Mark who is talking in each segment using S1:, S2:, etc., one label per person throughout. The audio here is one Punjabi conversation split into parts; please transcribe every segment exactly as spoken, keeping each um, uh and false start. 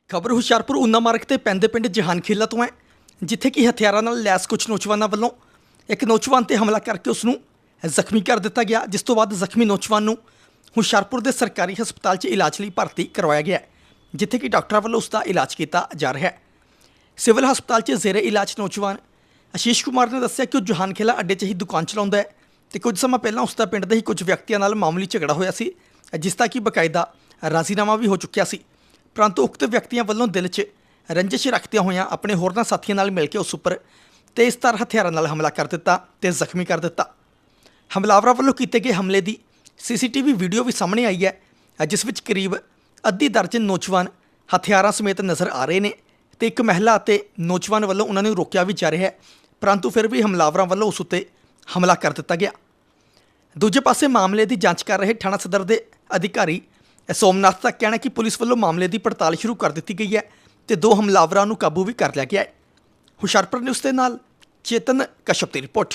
S1: ਖਬਰ ਹੁਸ਼ਿਆਰਪੁਰ ਊਨਾ ਮਾਰਗ ਤੇ ਪੈਂਦੇ ਪਿੰਡ ਜਹਾਨ ਖੇਲਾ ਤੋਂ ਹੈ, ਜਿੱਥੇ ਕਿ ਹਥਿਆਰਾਂ ਨਾਲ ਲੈਸ ਕੁਝ ਨੌਜਵਾਨਾਂ ਵੱਲੋਂ ਇੱਕ ਨੌਜਵਾਨ ਤੇ ਹਮਲਾ ਕਰਕੇ ਉਸ ਨੂੰ ਜ਼ਖਮੀ ਕਰ ਦਿੱਤਾ ਗਿਆ, ਜਿਸ ਤੋਂ ਬਾਅਦ ਜ਼ਖਮੀ ਨੌਜਵਾਨ ਨੂੰ ਹੁਸ਼ਿਆਰਪੁਰ ਦੇ ਸਰਕਾਰੀ ਹਸਪਤਾਲ 'ਚ ਇਲਾਜ ਲਈ ਭਰਤੀ ਕਰਵਾਇਆ ਗਿਆ, ਜਿੱਥੇ ਕਿ ਡਾਕਟਰਾਂ ਵੱਲੋਂ ਉਸ ਦਾ ਇਲਾਜ ਕੀਤਾ ਜਾ ਰਿਹਾ ਹੈ। ਸਿਵਲ ਹਸਪਤਾਲ 'ਚ ਜ਼ੇਰੇ ਇਲਾਜ ਨੌਜਵਾਨ ਆਸ਼ੀਸ਼ ਕੁਮਾਰ ਨੇ ਦੱਸਿਆ ਕਿ ਉਹ ਜਹਾਨ ਖੇਲਾ ਅੱਡੇ 'ਚ ਹੀ ਦੁਕਾਨ ਚਲਾਉਂਦਾ ਹੈ ਤੇ ਕੁਝ ਸਮਾਂ ਪਹਿਲਾਂ ਉਸ ਦਾ ਪਿੰਡ ਦੇ ਹੀ ਕੁਝ ਵਿਅਕਤੀਆਂ ਨਾਲ ਮਾਮੂਲੀ ਝਗੜਾ ਹੋਇਆ ਸੀ, ਜਿਸ ਦਾ ਕਿ ਬਕਾਇਦਾ ਰਾਜ਼ੀਨਾਮਾ ਵੀ ਹੋ ਚੁੱਕਿਆ ਸੀ। परंतु उक्त व्यक्तियों वालों दिल च रंजिश रखते हुए अपने होरना साथियों नाल मिल के उस उपर तेज़धार हथियारों नाल हमला कर दिता ते जख्मी कर दिता। हमलावरों वालों किए गए हमले की C C T V video भी सामने आई है, जिस विच करीब अद्धी दर्जन नौजवान हथियारों समेत नज़र आ रहे हैं तो एक महिला और नौजवान वालों उन्होंने रोकया भी जा रहा है, परंतु फिर भी हमलावरों वालों उस उत्ते हमला कर दिता गया। दूजे पासे मामले की जांच कर रहे थाना सदर के अधिकारी सोमनाथ का कहना कि पुलिस वालों मामले की पड़ताल शुरू कर दी गई है तो दो हमलावरों को काबू भी कर लिया गया है। हुशियारपुर न्यूज़ के नाल चेतन कश्यप की रिपोर्ट।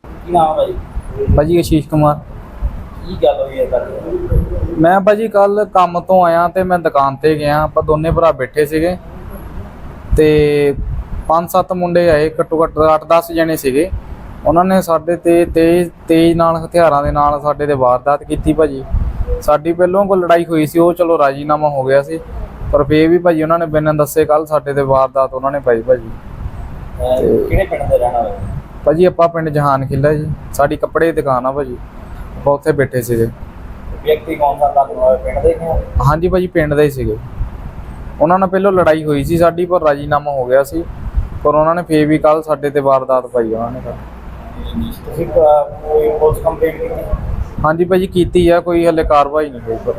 S2: भाजी आशीष कुमार
S3: की गल होई है?
S2: मैं भाजी कल काम तो आया तो मैं दुकान पर गया, आप दोनों भरा बैठे सीगे ते पाँच सत्त मुंडे आए, घट्टो घट्ट अठ दस जने सीगे। उन्होंने साडे ते तेज तेज नाल हथियारां दे नाल साडे ते वारदात कीती भाजी। साडी पहलों कोई लड़ाई हुई सी, वो चलो राजीनामा हो गया सी, पर फिर भी भाजी उन्होंने बिना दसे कल साडे ते वारदात उन्होंने पाई भाजी।
S3: किहड़े पिंड दे रहण वाले?
S2: भाजी आपां पिंड जहान खिला जी, साडी कपड़े दी दुकान आ भाजी, आपां उत्थे बैठे सीगे।
S3: व्यक्ति कौन सा था? पिंड दे ही?
S2: हाँ जी भाजी पिंड दे ही सीगे। उन्होंने पहलों लड़ाई हुई सी साडी, पर राजीनामा हो गया सी, पर उन्होंने फिर भी कल साडे ते वारदात पाई उन्होंने कल।
S3: ਤੁਸੀਂ ਕੋਈ ਪੁਲਿਸ ਕੰਪਲੇਂਟ ਕੀਤੀ?
S2: हाँ जी भाजी कीती है, कोई हले कार्रवाई नहीं हुई, पर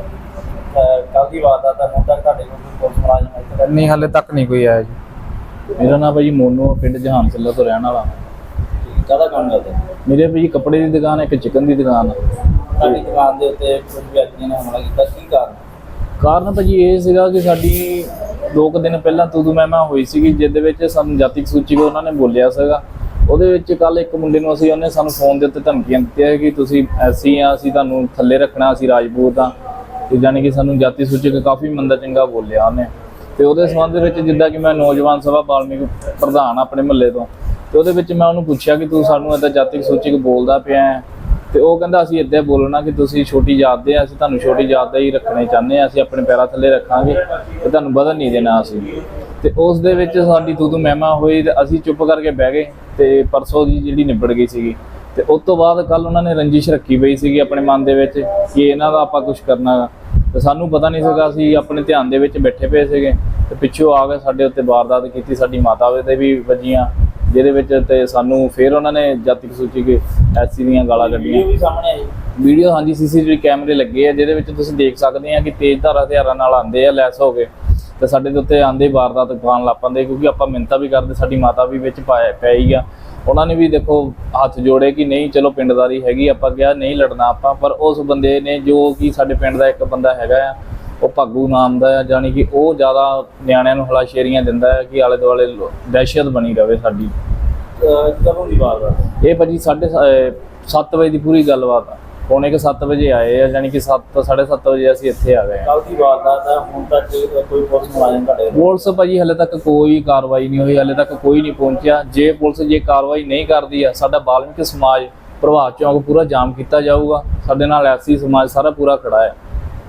S3: ਕੱਲ ਦੀ ਵਾਰਦਾਤ ਹੁਣ ਤੱਕ ਤੁਹਾਡੇ ਕੋਲ ਪੁਲਿਸ ਮੁਲਾਜ਼ਮ ਇੱਥੇ ਤੱਕ
S2: नहीं हले तक नहीं कोई आया जी।
S4: मेरा नाम भाजी मोनू, पिंड जहान खिला तो रहने वाला।
S3: ਕਾਹਦਾ ਕੰਮ ਕਰਦੇ?
S4: मेरे भाजी कपड़े की दुकान है, एक चिकन की दुकान है।
S3: ਤੁਹਾਡੀ ਦੁਕਾਨ ਦੇ ਉੱਤੇ ਕੁਝ ਵਿਅਕਤੀਆਂ ਨੇ ਹਮਲਾ ਕੀਤਾ, ਕੀ ਕਾਰਨ?
S4: ਕਾਰਨ ਭਾਜੀ ਇਹ ਸੀਗਾ ਕਿ ਸਾਡੀ ਦੋ ਕੁ ਦਿਨ ਪਹਿਲਾਂ ਤੂਦੂ ਮਹਿਮਾ ਹੋਈ ਸੀਗੀ, ਜਿਹਦੇ ਵਿੱਚ ਸਾਨੂੰ ਜਾਤਿਕ ਸੂਚੀ ਕੋ ਉਹਨਾਂ ਨੇ ਬੋਲਿਆ ਸੀਗਾ। ਉਹਦੇ ਵਿੱਚ ਕੱਲ ਇੱਕ ਮੁੰਡੇ ਨੂੰ ਅਸੀਂ ਉਹਨੇ ਸਾਨੂੰ ਫੋਨ ਦੇ ਉੱਤੇ ਧਮਕੀਆਂ ਦਿੱਤੀਆਂ ਕਿ ਤੁਸੀਂ ਐਸੀ ਆ, ਅਸੀਂ ਤੁਹਾਨੂੰ ਥੱਲੇ ਰੱਖਣਾ, ਅਸੀਂ ਰਾਜਪੂਤ ਆ, ਤੇ ਜਾਣੀ ਕਿ ਸਾਨੂੰ ਜਾਤੀ ਸੂਚਕ ਕਾਫੀ ਮੰਦਾ ਚੰਗਾ ਬੋਲਿਆ ਉਹਨੇ। ਤੇ ਉਹਦੇ ਸੰਬੰਧ ਵਿੱਚ ਜਿੱਦਾਂ ਕਿ ਮੈਂ ਨੌਜਵਾਨ ਸਭਾ ਬਾਲਮੀਕ ਪ੍ਰਧਾਨ ਆਪਣੇ ਮੁਹੱਲੇ ਤੋਂ, ਤੇ ਉਹਦੇ ਵਿੱਚ ਮੈਂ ਉਹਨੂੰ ਪੁੱਛਿਆ ਕਿ ਤੂੰ ਸਾਨੂੰ ਇੱਦਾਂ ਜਾਤਿਕ ਸੂਚਕ ਬੋਲਦਾ ਪਿਆ ਹੈ, ਤੇ ਉਹ ਕਹਿੰਦਾ ਅਸੀਂ ਇੱਦਾਂ ਬੋਲਣਾ ਕਿ ਤੁਸੀਂ ਛੋਟੀ ਜਾਤ ਦੇ ਆ, ਅਸੀਂ ਤੁਹਾਨੂੰ ਛੋਟੀ ਜਾਤ ਦਾ ਹੀ ਰੱਖਣੇ ਚਾਹੁੰਦੇ ਹਾਂ, ਅਸੀਂ ਆਪਣੇ ਪੈਰਾਂ ਥੱਲੇ ਰੱਖਾਂਗੇ ਤੇ ਤੁਹਾਨੂੰ ਵਧਣ ਨਹੀਂ ਦੇਣਾ ਅਸੀਂ। ਤੇ ਉਸ ਦੇ ਵਿੱਚ ਸਾਡੀ ਤੂੰ ਤੂੰ ਮਹਿਮਾ ਹੋਈ ਤੇ ਅਸੀਂ ਚੁੱਪ ਕਰਕੇ ਬਹਿ ਗਏ, ਤੇ ਪਰਸੋਂ ਦੀ ਜਿਹੜੀ ਨਿਬੜ ਗਈ ਸੀਗੀ। ਤੇ ਉਸ ਤੋਂ ਬਾਅਦ ਕੱਲ ਉਹਨਾਂ ਨੇ ਰੰਜਿਸ਼ ਰੱਖੀ ਪਈ ਸੀਗੀ ਆਪਣੇ ਮਨ ਦੇ ਵਿੱਚ ਕਿ ਇਹਨਾਂ ਦਾ ਆਪਾਂ ਕੁਝ ਕਰਨਾ ਗਾ, ਤੇ ਸਾਨੂੰ ਪਤਾ ਨਹੀਂ ਸੀਗਾ, ਅਸੀਂ ਆਪਣੇ ਧਿਆਨ ਦੇ ਵਿੱਚ ਬੈਠੇ ਪਏ ਸੀਗੇ ਤੇ ਪਿੱਛੋਂ ਆ ਕੇ ਸਾਡੇ ਉੱਤੇ ਵਾਰਦਾਤ ਕੀਤੀ, ਸਾਡੀ ਮਾਤਾ ਦੇ ਵੀ ਵੱਜੀਆਂ, ਜਿਹਦੇ ਵਿੱਚ ਤੇ ਸਾਨੂੰ ਫਿਰ ਉਹਨਾਂ ਨੇ ਜਾਤਿਕ ਸੂਚੀ ਕੇ ਐਸੀ ਦੀਆਂ ਗਾਲਾਂ ਕੱਢੀਆਂ।
S3: ਵੀ ਸਾਹਮਣੇ ਆਈ
S4: ਵੀਡੀਓ ਹਾਂਜੀ ਸੀ ਸੀ ਟੀ ਵੀ ਕੈਮਰੇ ਲੱਗੇ ਆ, ਜਿਹਦੇ ਵਿੱਚ ਤੁਸੀਂ ਦੇਖ ਸਕਦੇ ਆ ਕਿ ਤੇਜ਼ਧਾਰ ਹਥਿਆਰਾਂ ਨਾਲ ਆਉਂਦੇ ਆ ਲੈਸ ਹੋ ਕੇ, ਤੇ ਸਾਡੇ ਦੇ ਉੱਤੇ ਆਂਦੇ ਵਾਰਦਾਤ ਪਾਉਣ ਲੱਗ ਪੈਂਦੇ, ਕਿਉਂਕਿ ਆਪਾਂ ਮਿੰਨਤਾਂ ਵੀ ਕਰਦੇ, ਸਾਡੀ ਮਾਤਾ ਵੀ ਵਿੱਚ ਪਾਇਆ ਪਈ ਆ, ਉਹਨਾਂ ਨੇ ਵੀ ਦੇਖੋ ਹੱਥ ਜੋੜੇ ਕਿ ਨਹੀਂ ਚਲੋ ਪਿੰਡਦਾਰੀ ਹੈਗੀ, ਆਪਾਂ ਕਿਹਾ ਨਹੀਂ ਲੜਨਾ ਆਪਾਂ। ਪਰ ਉਸ ਬੰਦੇ ਨੇ ਜੋ ਕਿ ਸਾਡੇ ਪਿੰਡ ਦਾ ਇੱਕ ਬੰਦਾ ਹੈਗਾ ਆ, ਉਹ ਭਾਗੂ ਨਾਮ ਦਾ ਆ, ਜਾਣੀ ਕਿ ਉਹ ਜ਼ਿਆਦਾ ਨਿਆਣਿਆਂ ਨੂੰ ਹਲਾਸ਼ੇਰੀਆਂ ਦਿੰਦਾ ਹੈ ਕਿ ਆਲੇ ਦੁਆਲੇ ਦਹਿਸ਼ਤ ਬਣੀ ਰਵੇ ਸਾਡੀ।
S3: ਕਦੋਂ ਦੀ ਵਾਰਦਾਤ?
S4: ਇਹ ਭਾਜੀ ਸਾਢੇ ਸੱਤ ਵਜੇ ਦੀ ਪੂਰੀ ਗੱਲਬਾਤ ਆ, ਪੌਣੇ ਕੁ ਸੱਤ ਵਜੇ ਆਏ ਆ, ਜਾਣੀ ਕਿ ਸੱਤ ਸਾਢੇ ਸੱਤ ਵਜੇ ਅਸੀਂ ਇੱਥੇ ਆ ਗਏ।
S3: ਕੱਲ ਦੀ ਵਾਰਦਾਤ ਆ, ਹੁਣ ਤੱਕ ਕੋਈ ਪੁਲਿਸ ਮੁਲਾਜ਼ਮ ਤੁਹਾਡੇ?
S4: ਪੁਲਿਸ ਭਾਜੀ ਹਲੇ ਤੱਕ ਕੋਈ ਕਾਰਵਾਈ ਨਹੀਂ ਹੋਈ, ਹਲੇ ਤੱਕ ਕੋਈ ਨਹੀਂ ਪਹੁੰਚਿਆ। ਜੇ ਪੁਲਿਸ ਜੇ ਕਾਰਵਾਈ ਨਹੀਂ ਕਰਦੀ ਆ, ਸਾਡਾ ਬਾਲਮਿਕ ਸਮਾਜ ਪ੍ਰਭਾਤ ਚੌਂਕ ਪੂਰਾ ਜਾਮ ਕੀਤਾ ਜਾਊਗਾ, ਸਾਡੇ ਨਾਲ ਐਸੀ ਸਮਾਜ ਸਾਰਾ ਪੂਰਾ ਖੜਾ ਹੈ।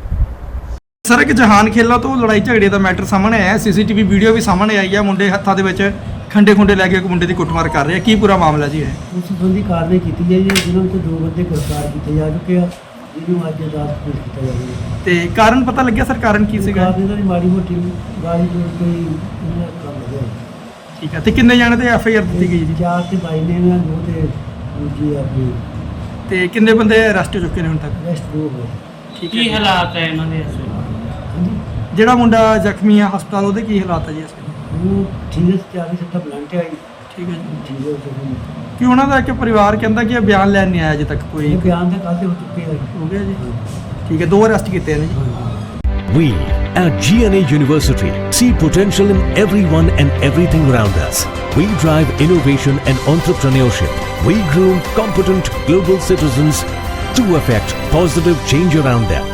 S1: ਸਰ ਇੱਕ ਜਹਾਨ ਖੇਲਾ ਤੋਂ ਲੜਾਈ ਝਗੜੇ ਦਾ ਮੈਟਰ ਸਾਹਮਣੇ ਆਇਆ, ਸੀ ਸੀ ਟੀ ਵੀ ਵੀਡੀਓ ਵੀ ਸਾਹਮਣੇ ਆਈ ਹੈ, ਮੁੰਡੇ ਹੱਥਾਂ ਦੇ ਵਿੱਚ ਖੰਡੇ ਖੁੰਡੇ ਲੈ ਕੇ ਇੱਕ ਮੁੰਡੇ ਦੀ ਕੁੱਟਮਾਰ ਕਰ ਰਹੇ ਆ, ਕੀ ਪੂਰਾ ਮਾਮਲਾ ਜੀ ਹੈ?
S5: ਉਸ ਸੰਬੰਧੀ ਕਾਰਵਾਈ ਕੀਤੀ ਜਾਈ ਹੈ, ਜਿਨ੍ਹਾਂ ਵਿੱਚ ਦੋ ਬੰਦੇ ਗ੍ਰਿਫਤਾਰ ਕੀਤੇ ਜਾ ਚੁੱਕੇ ਆ, ਜਿਹਨੂੰ ਅੱਜ ਅਦਾਲਤ ਪੇਸ਼ ਕੀਤਾ ਜਾਵੇਗਾ।
S1: ਤੇ ਕਾਰਨ ਪਤਾ ਲੱਗਿਆ ਸਰ, ਕਾਰਨ ਕੀ ਸੀਗਾ?
S5: ਕਾਰਨ ਇਹਨਾਂ ਦੀ ਮਾੜੀ ਮੋਟੀ ਗਾਲੀ ਜੋੜ ਕੇ ਇਹਨਾਂ ਕੰਮ ਵਧਿਆ।
S1: ਠੀਕ ਹੈ, ਤੇ ਕਿੰਨੇ ਜਾਣੇ ਤੇ ਐਫ ਆਈ ਆਰ ਦਿੱਤੀ ਗਈ ਜੀ?
S5: ਚਾਰ ਤੇ ਬਾਈ ਨੇ ਇਹਨਾਂ ਦੋ ਤੇ ਦੂਜੀ ਆਪਣੀ
S1: ਤੇ ਕਿੰਨੇ ਬੰਦੇ ਅਰੈਸਟ ਹੋ ਚੁੱਕੇ ਨੇ ਹੁਣ ਤੱਕ?
S5: ਰੈਸਟ ਦੋ ਹੋਏ।
S1: ਠੀਕ
S6: ਕੀ
S1: ਹੈ,
S6: ਹਾਲਾਤ ਹੈ ਇਹਨਾਂ ਦੇ ਇਸ ਵੇਲੇ?
S5: ਹਾਂਜੀ
S1: ਜਿਹੜਾ ਮੁੰਡਾ ਜ਼ਖਮੀ ਆ ਹਸਪਤਾਲ, ਉਹਦੇ ਕੀ ਹਾਲਾਤ ਹੈ ਜੀ ਇਸ ਵੇਲੇ?
S5: ਉਹ ਠੀਕ ਹੈ, ਚਾਰ ਸੱਟਾਂ ਬਲੰਟ ਆਈ,
S1: ਠੀਕ ਹੈ ਜੀ।
S5: ਠੀਕ ਹੈ। ਉਹ
S1: ਕਿ ਉਹਨਾਂ ਦਾ ਇੱਕ ਪਰਿਵਾਰ ਕਹਿੰਦਾ ਕਿ ਇਹ ਬਿਆਨ ਲੈਣ ਨਹੀਂ ਆਇਆ ਅਜੇ ਤੱਕ ਕੋਈ।
S5: ਬਿਆਨ ਤਾਂ ਕਾਹਦੇ ਹੋ ਚੁੱਕੇ ਆ।
S1: ਹੋ ਗਿਆ ਜੀ, ਠੀਕ ਹੈ, ਦੋ ਅਰੈਸਟ ਕੀਤੇ ਨੇ ਜੀ।
S7: We at G N A University see potential in everyone and everything around us. We drive innovation and entrepreneurship. We groom competent global citizens to affect positive change around them.